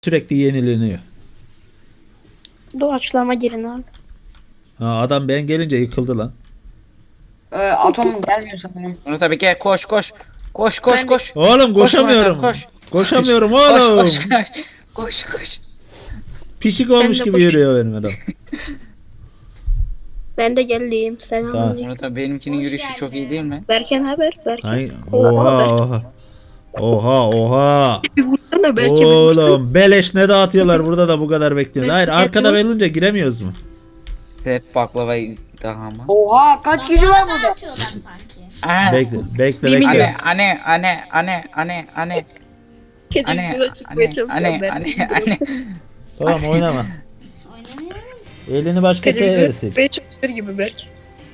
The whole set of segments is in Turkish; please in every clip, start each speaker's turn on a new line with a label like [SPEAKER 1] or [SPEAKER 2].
[SPEAKER 1] Sürekli yenileniyor.
[SPEAKER 2] Doğaçlama girin abi.
[SPEAKER 1] Ha, adam ben gelince yıkıldı lan.
[SPEAKER 3] Atom gelmiyor sanırım.
[SPEAKER 4] Onu tabii ki koş koş. Koş
[SPEAKER 2] Ben de-
[SPEAKER 4] koş.
[SPEAKER 1] Oğlum
[SPEAKER 4] Koş
[SPEAKER 1] koşamıyorum.
[SPEAKER 4] Murat abi, koş.
[SPEAKER 1] Koşamıyorum
[SPEAKER 4] Koş
[SPEAKER 1] oğlum.
[SPEAKER 4] koş koş. Koş koş.
[SPEAKER 1] Pişik olmuş
[SPEAKER 2] de
[SPEAKER 1] gibi
[SPEAKER 2] koş-
[SPEAKER 1] yürüyor benim adam.
[SPEAKER 2] Ben de geldim.
[SPEAKER 1] Tamam.
[SPEAKER 2] Selamünaleyküm.
[SPEAKER 4] Murat abi benimkinin
[SPEAKER 5] Hoş
[SPEAKER 4] yürüyüşü çok iyi değil mi?
[SPEAKER 2] Berken haber? Berken.
[SPEAKER 1] Ay,
[SPEAKER 2] Oha, Berken.
[SPEAKER 1] oha. Oha oha.
[SPEAKER 2] Bir vursana Berken.
[SPEAKER 1] Oğlum beleş ne dağıtıyorlar burada da bu kadar bekliyoruz. Hayır arkada olunca giremiyoruz mu?
[SPEAKER 4] Hep baklava izdihamı.
[SPEAKER 3] Oha kaç kişi var burada?
[SPEAKER 5] Atıyorlar sanki.
[SPEAKER 4] Aa,
[SPEAKER 1] Bekle bekle
[SPEAKER 2] Bir milyon.
[SPEAKER 1] bekle.
[SPEAKER 4] Anne.
[SPEAKER 2] Televizyona çıkmaya çalışıyorum Berken.
[SPEAKER 4] Anne.
[SPEAKER 1] Tamam oynama.
[SPEAKER 5] Oynamıyorum.
[SPEAKER 1] Elini başkası
[SPEAKER 2] Televizyona
[SPEAKER 1] versin.
[SPEAKER 2] çıkmaya çalışıyor gibi Berken.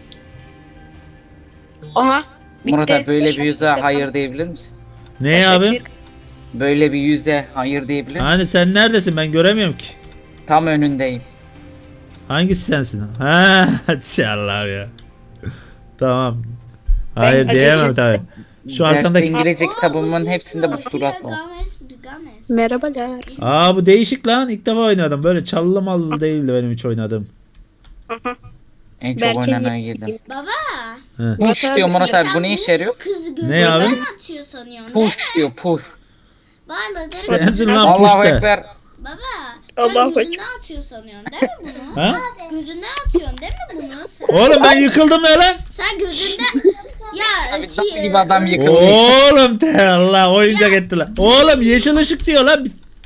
[SPEAKER 2] Aha. Bitti.
[SPEAKER 4] Murat abi böyle bir yüze
[SPEAKER 2] Başak-
[SPEAKER 4] hayır diyebilir misin?
[SPEAKER 1] Ne
[SPEAKER 2] Başak
[SPEAKER 1] abi?
[SPEAKER 2] Şehir-
[SPEAKER 4] Böyle bir yüze hayır diyebilir misin?
[SPEAKER 1] Hani sen neredesin ben göremiyorum ki.
[SPEAKER 4] Tam önündeyim.
[SPEAKER 1] Hangisi sensin? Ha, inşallah ya. Tamam. Hayır
[SPEAKER 2] Ben
[SPEAKER 1] diyemem
[SPEAKER 2] acele-
[SPEAKER 1] tabii. Şu
[SPEAKER 4] Derste
[SPEAKER 1] arkandaki.
[SPEAKER 4] İngilizce kitabımın hepsinde bu surat var.
[SPEAKER 5] Games.
[SPEAKER 2] Merhabalar.
[SPEAKER 1] Aa bu değişik lan. İlk defa oynadım. Böyle çallı mallı değildi benim hiç oynadığım.
[SPEAKER 4] En çok
[SPEAKER 2] Berken
[SPEAKER 4] oynanan
[SPEAKER 2] yedi.
[SPEAKER 4] yedim.
[SPEAKER 5] Baba.
[SPEAKER 4] Push diyor Murat abi, bu ne işe yarıyor?
[SPEAKER 5] Kızı
[SPEAKER 1] Ne abi?
[SPEAKER 5] gözünden atıyor sanıyorsun değil mi?
[SPEAKER 4] Push diyor push.
[SPEAKER 5] Var lazeri.
[SPEAKER 1] Sensin lan
[SPEAKER 4] Allahu
[SPEAKER 1] puşta.
[SPEAKER 4] Ekber.
[SPEAKER 5] Baba. Sen
[SPEAKER 2] Allahu
[SPEAKER 5] gözünden atıyor sanıyorsun değil mi bunu?
[SPEAKER 1] Ha?
[SPEAKER 5] Gözünden atıyorsun değil mi bunu? Sen,
[SPEAKER 1] Oğlum ben yıkıldım ya lan.
[SPEAKER 5] sen gözünden... Ya
[SPEAKER 4] Abi nasıl gibi adam yıkıldı.
[SPEAKER 1] Oğlum te Allah oyuncak etti lan. Oğlum yeşil ışık diyor lan.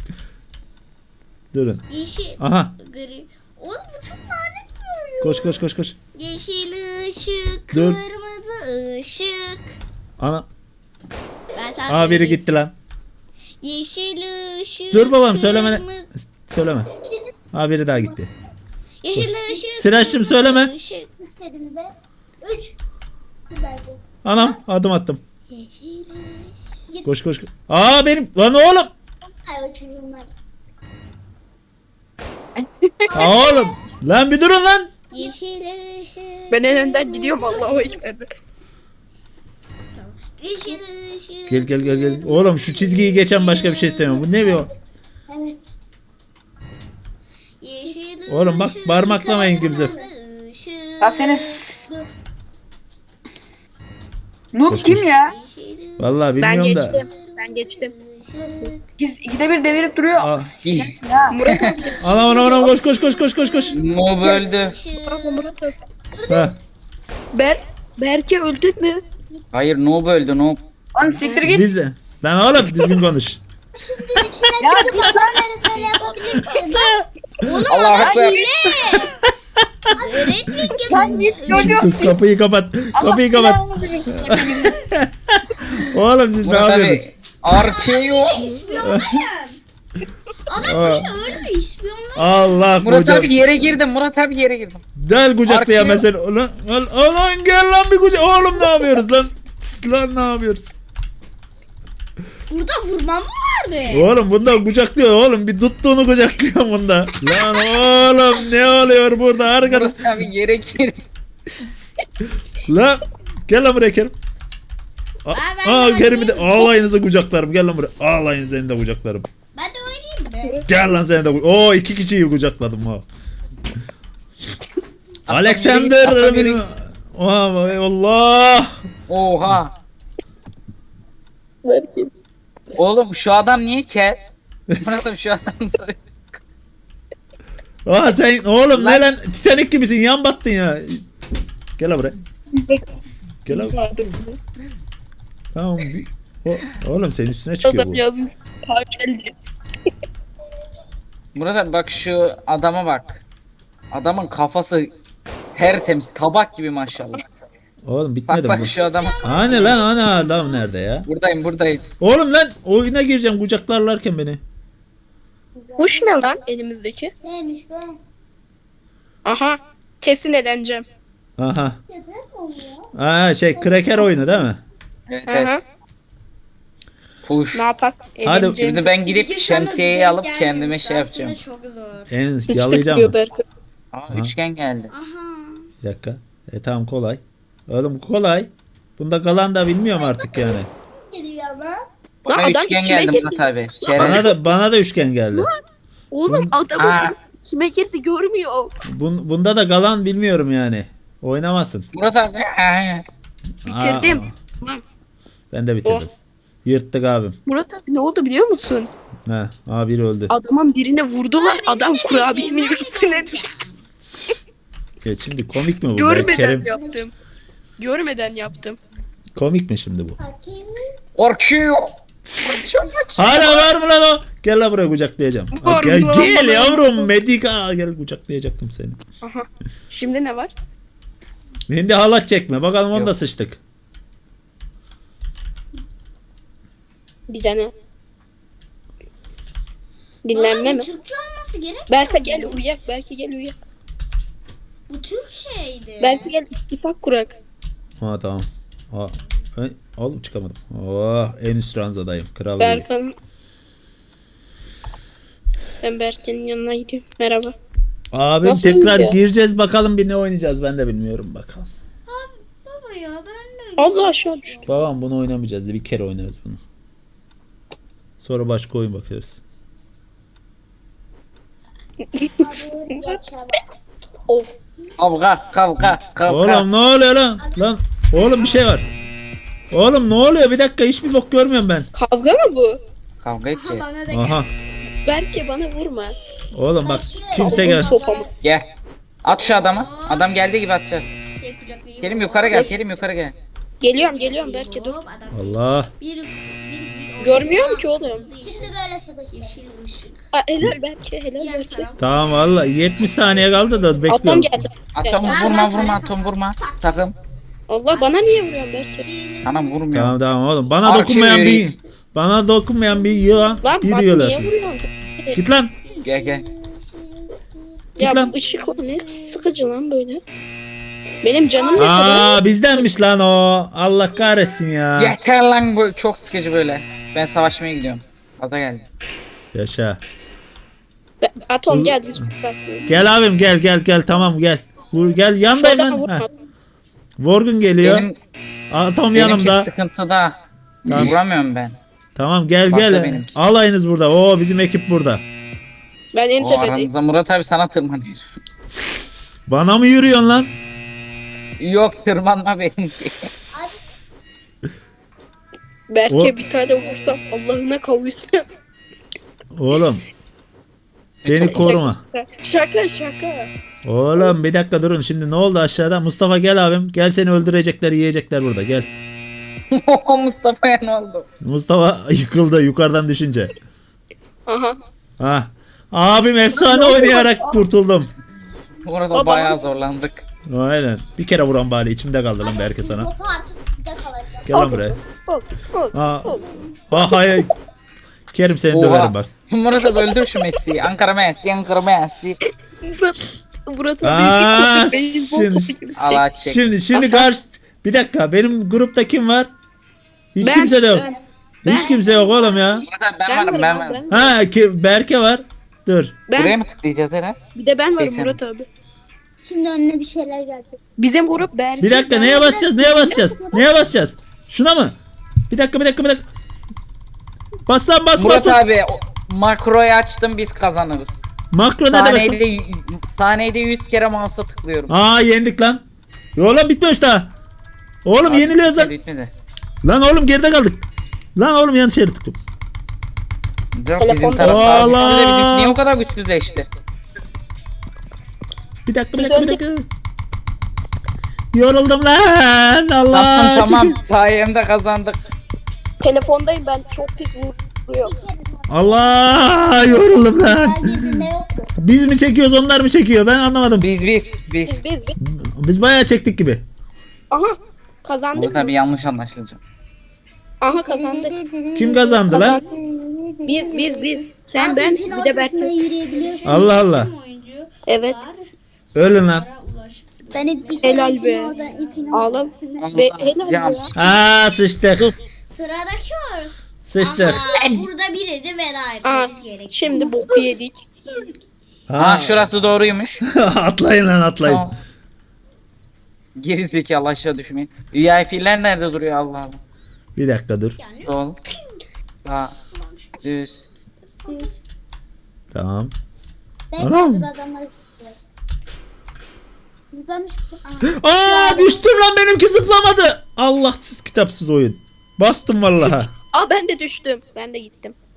[SPEAKER 1] Durun.
[SPEAKER 5] yeşil,
[SPEAKER 1] Aha.
[SPEAKER 5] gri. Oğlum bu çok lanet bir oyun.
[SPEAKER 1] Koş koş koş koş.
[SPEAKER 5] Yeşil ışık,
[SPEAKER 1] Dur.
[SPEAKER 5] kırmızı ışık.
[SPEAKER 1] Ana.
[SPEAKER 5] Ben sana
[SPEAKER 1] Aa biri
[SPEAKER 5] söyleyeyim.
[SPEAKER 1] gitti lan.
[SPEAKER 5] Yeşil ışık,
[SPEAKER 1] Dur babam söyleme.
[SPEAKER 5] kırmızı-
[SPEAKER 1] Söyleme. Aa biri daha gitti.
[SPEAKER 5] Yeşil ışık.
[SPEAKER 1] Sıraş'cığım söyleme.
[SPEAKER 5] Işık.
[SPEAKER 1] Anam adım attım.
[SPEAKER 5] Yeşil ışık.
[SPEAKER 1] Koş koş. Aa benim lan oğlum. Aa oğlum. Lan bir durun lan.
[SPEAKER 5] Yeşil ışık.
[SPEAKER 2] Ben en önden gidiyorum Allah'a ekber.
[SPEAKER 5] Yeşil ışık.
[SPEAKER 1] Gel gel gel gel. Oğlum şu çizgiyi geçen başka bir şey istemiyorum. Bu ne bir o?
[SPEAKER 5] Yeşil
[SPEAKER 1] Oğlum bak,
[SPEAKER 5] ışık,
[SPEAKER 1] parmaklamayın kimse.
[SPEAKER 5] kırmızı ışık.
[SPEAKER 3] Bak seni. Noob
[SPEAKER 1] Koş,
[SPEAKER 3] kim
[SPEAKER 1] koş.
[SPEAKER 3] ya?
[SPEAKER 5] Yeşil ışık.
[SPEAKER 1] Vallahi
[SPEAKER 2] Ben
[SPEAKER 1] bilmiyorum da.
[SPEAKER 2] geçtim. Ben geçtim.
[SPEAKER 3] İkide bir devirip duruyor.
[SPEAKER 1] Aa.
[SPEAKER 3] Sikeceksin ha.
[SPEAKER 2] Murat abi.
[SPEAKER 1] Anam koş koş koş koş koş koş.
[SPEAKER 4] Mob öldü.
[SPEAKER 2] Pardon Murat abi.
[SPEAKER 1] Ha.
[SPEAKER 2] Berke öldün mü?
[SPEAKER 4] Hayır noob öldü noob.
[SPEAKER 3] Lan siktir git.
[SPEAKER 1] Biz de. Lan oğlum düzgün konuş.
[SPEAKER 3] Ya git lan.
[SPEAKER 4] Allahu Ekber.
[SPEAKER 5] Öğretmen
[SPEAKER 3] Lan git çocuk.
[SPEAKER 1] Kapıyı kapat. Kapıyı kapat. Oğlum siz ne
[SPEAKER 4] Murat
[SPEAKER 1] yapıyorsunuz?
[SPEAKER 4] abi. RKO.
[SPEAKER 5] İspiyonlayan. Adam
[SPEAKER 1] Aa.
[SPEAKER 5] beni ölmüş ispiyonlayan.
[SPEAKER 1] Allah
[SPEAKER 4] Murat
[SPEAKER 1] kucak.
[SPEAKER 4] abi yere girdim. Murat abi yere girdim.
[SPEAKER 1] Gel kucaklaya
[SPEAKER 4] Arkaya-
[SPEAKER 1] mesela. Ulan gel lan bir kucak. Oğlum ne yapıyoruz lan? Lan ne yapıyoruz?
[SPEAKER 5] Burada vurmam mı vardı?
[SPEAKER 1] Oğlum bunda kucaklıyor oğlum. Bir tuttuğunu kucaklıyor bunda. Lan oğlum ne oluyor burada arkadaş?
[SPEAKER 4] Murat abi yere girdim.
[SPEAKER 1] Lan gel lan buraya Kerim.
[SPEAKER 5] ben
[SPEAKER 1] Aa
[SPEAKER 5] de
[SPEAKER 1] Kerim'i de
[SPEAKER 5] oynayayım.
[SPEAKER 1] ağlayınızı kucaklarım. Gel lan buraya. Ağlayın seni de kucaklarım.
[SPEAKER 5] Ben de oynayayım mı?
[SPEAKER 1] Gel lan seni de Oo iki kişiyi kucakladım ha. Alexander
[SPEAKER 4] Atla biri-
[SPEAKER 1] benim. Oha Allah.
[SPEAKER 4] Oha.
[SPEAKER 2] Berke.
[SPEAKER 4] Oğlum şu adam niye kel? Murat abi şu adam sarı.
[SPEAKER 1] Aa sen oğlum ne lan Titanic gibisin yan battın ya. Gel lan buraya. Gel lan. Tamam. Oğlum senin üstüne çıkıyor
[SPEAKER 2] Adam
[SPEAKER 1] bu.
[SPEAKER 2] yazmış. Ha geldi.
[SPEAKER 4] Murat abi bak şu adama bak. Adamın kafası tertemiz tabak gibi maşallah.
[SPEAKER 1] Oğlum
[SPEAKER 4] Bak
[SPEAKER 1] bitmedi
[SPEAKER 4] bak
[SPEAKER 1] bu.
[SPEAKER 4] şu adama.
[SPEAKER 1] Hani lan ana adam nerede ya?
[SPEAKER 4] Buradayım.
[SPEAKER 1] Oğlum lan oyuna gireceğim kucaklarlarken beni.
[SPEAKER 2] Kuş ne lan elimizdeki?
[SPEAKER 5] Neymiş bu?
[SPEAKER 2] Aha. Kesin eğleneceğim.
[SPEAKER 1] Aha. Aa şey kraker oyunu değil mi?
[SPEAKER 4] Evet,
[SPEAKER 2] Hı
[SPEAKER 4] evet.
[SPEAKER 2] hı.
[SPEAKER 4] Push.
[SPEAKER 2] Ne yapak? Eğleneceğimiz.
[SPEAKER 4] Şimdi ben gidip şemsiyeyi alıp kendime şey yapacağım.
[SPEAKER 5] Çok zor.
[SPEAKER 1] En
[SPEAKER 2] Hiç
[SPEAKER 1] yalayacağım
[SPEAKER 2] tıklıyor
[SPEAKER 1] mı?
[SPEAKER 2] Berke.
[SPEAKER 4] Aa üçgen geldi.
[SPEAKER 5] Aha.
[SPEAKER 1] Bir dakika. Tamam kolay. Oğlum kolay. Bunda kalan da bilmiyorum artık yani.
[SPEAKER 5] Geliyor ama.
[SPEAKER 2] Lan
[SPEAKER 4] Bana
[SPEAKER 2] adam
[SPEAKER 4] üçgen
[SPEAKER 2] içime
[SPEAKER 4] geldi
[SPEAKER 2] girdi.
[SPEAKER 4] Murat abi.
[SPEAKER 1] Bana da üçgen geldi.
[SPEAKER 2] Oğlum adamın
[SPEAKER 4] Aa.
[SPEAKER 2] birisi içime girdi görmüyor.
[SPEAKER 1] Bunda da galan bilmiyorum yani. Oynamasın.
[SPEAKER 4] Murat abi.
[SPEAKER 2] Bitirdim.
[SPEAKER 1] Aa,
[SPEAKER 2] Lan,
[SPEAKER 1] ben de bitirdim. Yırttık abim.
[SPEAKER 2] Murat abi ne oldu biliyor musun?
[SPEAKER 1] Ha, biri öldü.
[SPEAKER 2] Adamın birine vurdular. Adam kurabiyenin üstüne düştü.
[SPEAKER 1] Ya şimdi komik mi bu? be?
[SPEAKER 2] Görmeden
[SPEAKER 1] Kerim,
[SPEAKER 2] yaptım. Görmeden yaptım.
[SPEAKER 1] komik mi şimdi bu?
[SPEAKER 4] Korkuyor.
[SPEAKER 1] Hala var mı lan o? Gel lan buraya kucaklayacağım. Ha,
[SPEAKER 2] Var
[SPEAKER 1] gel
[SPEAKER 2] mı?
[SPEAKER 1] gel yavrum Medika. Gel kucaklayacaktım seni.
[SPEAKER 2] Aha. Şimdi ne var?
[SPEAKER 1] Şimdi halat çekme. Bakalım onu
[SPEAKER 4] Yok.
[SPEAKER 1] da sıçtık.
[SPEAKER 2] Bize ne? Dinlenme mi?
[SPEAKER 5] Türkçe olması gerekmiyor
[SPEAKER 2] Berke
[SPEAKER 5] mu?
[SPEAKER 2] gel uyak. Berke gel uyak.
[SPEAKER 5] Bu Türk şeydi.
[SPEAKER 2] Berke gel ittifak kurak.
[SPEAKER 1] Ha tamam. Ha. Oğlum çıkamadım. Oh, en üst ranzadayım. Kral gibi.
[SPEAKER 2] Berkan'ın... Ben Berke'nin yanına gidiyorum. Merhaba.
[SPEAKER 1] Abim
[SPEAKER 2] Nasıl
[SPEAKER 1] tekrar
[SPEAKER 2] oynuyor?
[SPEAKER 1] gireceğiz bakalım bir ne oynayacağız ben de bilmiyorum bakalım.
[SPEAKER 5] Baba ya ben de.
[SPEAKER 2] Allah aşağı düştü.
[SPEAKER 1] Babam bunu oynamayacağız bir kere oynarız bunu. Sonra başka oyun bakarız.
[SPEAKER 2] Of.
[SPEAKER 4] Kavga.
[SPEAKER 1] Oğlum ne oluyor lan? Lan oğlum bir şey var. Oğlum ne oluyor? Bir dakika hiçbir bok görmüyorum ben.
[SPEAKER 2] Kavga mı bu?
[SPEAKER 4] Kavga edeceğiz.
[SPEAKER 5] Bana da
[SPEAKER 1] Aha.
[SPEAKER 2] Berke bana vurma.
[SPEAKER 1] Oğlum bak kimse
[SPEAKER 2] Aldım
[SPEAKER 1] gel.
[SPEAKER 2] sopamı.
[SPEAKER 4] Gel. At şu adamı. Adam geldiği gibi atacağız.
[SPEAKER 5] şey kucaklayayım.
[SPEAKER 4] Kerim yukarı gel. Kerim yukarı gel.
[SPEAKER 2] Geliyorum Berke dur.
[SPEAKER 5] Hop adam.
[SPEAKER 1] Allah.
[SPEAKER 5] Bir
[SPEAKER 2] Görmüyorum ki oğlum.
[SPEAKER 5] Şimdi böyle yeşil ışık.
[SPEAKER 2] Aa, helal Berke helal
[SPEAKER 5] Diğer
[SPEAKER 2] Berke.
[SPEAKER 5] taraf.
[SPEAKER 1] Tamam valla 70 saniye kaldı da
[SPEAKER 2] Adam
[SPEAKER 1] bekliyorum.
[SPEAKER 2] geldi.
[SPEAKER 4] Atom vurma Atom vurma. Takım.
[SPEAKER 2] Allah bana niye vuruyorsun Berke?
[SPEAKER 4] Anam vurmuyor.
[SPEAKER 1] Tamam oğlum. Bana
[SPEAKER 4] Arkaya
[SPEAKER 1] dokunmayan
[SPEAKER 4] yürü.
[SPEAKER 1] bir yılan
[SPEAKER 2] Lan
[SPEAKER 1] bir
[SPEAKER 2] bana
[SPEAKER 1] yığılasın.
[SPEAKER 2] niye vuruyorsun?
[SPEAKER 1] Git lan.
[SPEAKER 4] Gel.
[SPEAKER 2] Ya
[SPEAKER 1] lan.
[SPEAKER 2] bu ışık o ne sıkıcı lan böyle. Benim canım ne kadar?
[SPEAKER 1] Aa bizdenmiş lan o. Allah kahretsin ya.
[SPEAKER 4] Yeter lan bu çok sıkıcı böyle. Ben savaşmaya gidiyorum. Gaza geldi.
[SPEAKER 1] Yaşa.
[SPEAKER 2] Atom gel biz bırakmıyoruz.
[SPEAKER 1] Gel abim gel tamam gel. Gel yandayım
[SPEAKER 2] Şuradan
[SPEAKER 1] ben.
[SPEAKER 2] vurma.
[SPEAKER 1] Heh. Vorgun geliyor. Atom
[SPEAKER 4] Benimki
[SPEAKER 1] yanımda.
[SPEAKER 4] sıkıntıda.
[SPEAKER 1] Tamam.
[SPEAKER 4] Vuramıyorum ben.
[SPEAKER 1] Tamam gel
[SPEAKER 4] Başla
[SPEAKER 1] gel.
[SPEAKER 4] benim.
[SPEAKER 1] Alayınız burada. Oo bizim ekip burada.
[SPEAKER 2] Ben en
[SPEAKER 4] O
[SPEAKER 2] tepedeyim.
[SPEAKER 4] aranızda Murat abi sana tırmanıyor.
[SPEAKER 1] Bana mı yürüyorsun lan?
[SPEAKER 4] Yok tırmanma benimki.
[SPEAKER 2] Berke
[SPEAKER 1] O-
[SPEAKER 2] bir tane vursam Allah'ına kavuşsan.
[SPEAKER 1] Oğlum. Beni koruma.
[SPEAKER 2] Şaka.
[SPEAKER 1] Oğlum bir dakika durun. Şimdi ne oldu aşağıda? Mustafa gel abim. Gel seni öldürecekler, yiyecekler burada. Gel.
[SPEAKER 4] Mustafa'ya ne oldu?
[SPEAKER 1] Mustafa yıkıldı yukarıdan düşünce.
[SPEAKER 2] Aha.
[SPEAKER 1] Ha. Abim efsane oynayarak kurtuldum.
[SPEAKER 4] Burada
[SPEAKER 2] Baba.
[SPEAKER 4] bayağı zorlandık.
[SPEAKER 1] Aynen. Bir kere vuran bari içimde kaldı lan belki sana.
[SPEAKER 5] Topu artık sizde kalacak.
[SPEAKER 1] Gel lan buraya.
[SPEAKER 2] Ol.
[SPEAKER 1] Ha. Ha hayır. Kerim seni
[SPEAKER 4] Oha.
[SPEAKER 1] döverim bak.
[SPEAKER 4] Murat abi öldür şu Messi'yi. Ankara Messi.
[SPEAKER 2] Murat
[SPEAKER 1] Aa,
[SPEAKER 2] abi beyzbol
[SPEAKER 1] şimdi-
[SPEAKER 2] topu gibi.
[SPEAKER 4] Allah çek.
[SPEAKER 1] Şimdi karşı bir dakika benim grupta kim var? Hiç
[SPEAKER 2] Ben-
[SPEAKER 1] kimse de yok.
[SPEAKER 2] ben-
[SPEAKER 1] Hiç kimse yok oğlum ya.
[SPEAKER 4] Murat abi ben varım.
[SPEAKER 1] Ha Berke var. Dur.
[SPEAKER 4] Buraya
[SPEAKER 2] Ben,
[SPEAKER 4] mı tıklayacağız Eren?
[SPEAKER 2] bir de ben varım
[SPEAKER 4] Neyse.
[SPEAKER 2] Murat abi.
[SPEAKER 5] Şimdi önüne bir şeyler gelecek.
[SPEAKER 2] Bizim grup Berke.
[SPEAKER 1] Bir dakika neye basacağız? Neye basacağız? Şuna mı? Bir dakika. Bas lan bas
[SPEAKER 4] Murat
[SPEAKER 1] lan.
[SPEAKER 4] abi makroyu açtım biz kazanırız.
[SPEAKER 1] Makro ne demek?
[SPEAKER 4] Saniyede 100 kere mouse'a tıklıyorum.
[SPEAKER 1] Aa yendik lan. Oğlum bitmemiş daha. Oğlum yeniliyoruz lan.
[SPEAKER 4] Bitmedi.
[SPEAKER 1] Lan oğlum geride kaldık. Lan oğlum yanlış yere tıktım.
[SPEAKER 4] Yok bizim
[SPEAKER 2] Telefonda-
[SPEAKER 4] taraftar
[SPEAKER 1] Allah!
[SPEAKER 4] güçlü de bizim niye o kadar güçsüzleşti?
[SPEAKER 1] Bir dakika.
[SPEAKER 2] Biz
[SPEAKER 1] Yoruldum lan. Allah.
[SPEAKER 4] Tamam
[SPEAKER 1] çünkü-
[SPEAKER 4] sayemde kazandık.
[SPEAKER 2] Telefondayım ben çok pis vuruyorum.
[SPEAKER 1] Allah yoruldum lan.
[SPEAKER 5] Yeryüzünde yoktu.
[SPEAKER 1] Biz mi çekiyoruz onlar mı çekiyor ben anlamadım.
[SPEAKER 4] Biz.
[SPEAKER 2] Biz.
[SPEAKER 1] Biz bayağı çektik gibi.
[SPEAKER 2] Aha kazandık
[SPEAKER 4] Murat
[SPEAKER 2] mı?
[SPEAKER 4] abi yanlış anlaşılacak.
[SPEAKER 2] Aha kazandık.
[SPEAKER 1] Kim kazandı lan?
[SPEAKER 2] Kazandık. Biz. Sen ben bir de Berke.
[SPEAKER 5] Yürüyebiliyorsun.
[SPEAKER 1] Allah Allah.
[SPEAKER 5] Oyuncu
[SPEAKER 2] Evet.
[SPEAKER 1] Ölün lan.
[SPEAKER 5] Ben hep
[SPEAKER 2] Helal be. Ağlam. Be, helal
[SPEAKER 4] Can.
[SPEAKER 2] be.
[SPEAKER 1] Aa sıçtık.
[SPEAKER 5] Sıradaki var.
[SPEAKER 1] Sıçtık.
[SPEAKER 5] Aha, burada biri de veda
[SPEAKER 2] Aha,
[SPEAKER 5] etmemiz gerekiyor.
[SPEAKER 2] şimdi boku yedik.
[SPEAKER 4] Ha şurası doğruymuş.
[SPEAKER 1] Atlayın lan atlayın.
[SPEAKER 4] Tamam. Geri zekalı aşağı düşmeyin. VIP'ler nerede duruyor Allah Allah.
[SPEAKER 1] Bir dakika dur.
[SPEAKER 4] Sol. Sağ. Düz.
[SPEAKER 1] Tamam.
[SPEAKER 5] Ben
[SPEAKER 1] Anam.
[SPEAKER 5] hazır adamları zıplamış.
[SPEAKER 1] Aa düştüm lan, benimki zıplamadı. Allahsız kitapsız oyun. Bastım vallahi.
[SPEAKER 2] Aa ben de düştüm. Ben de gittim.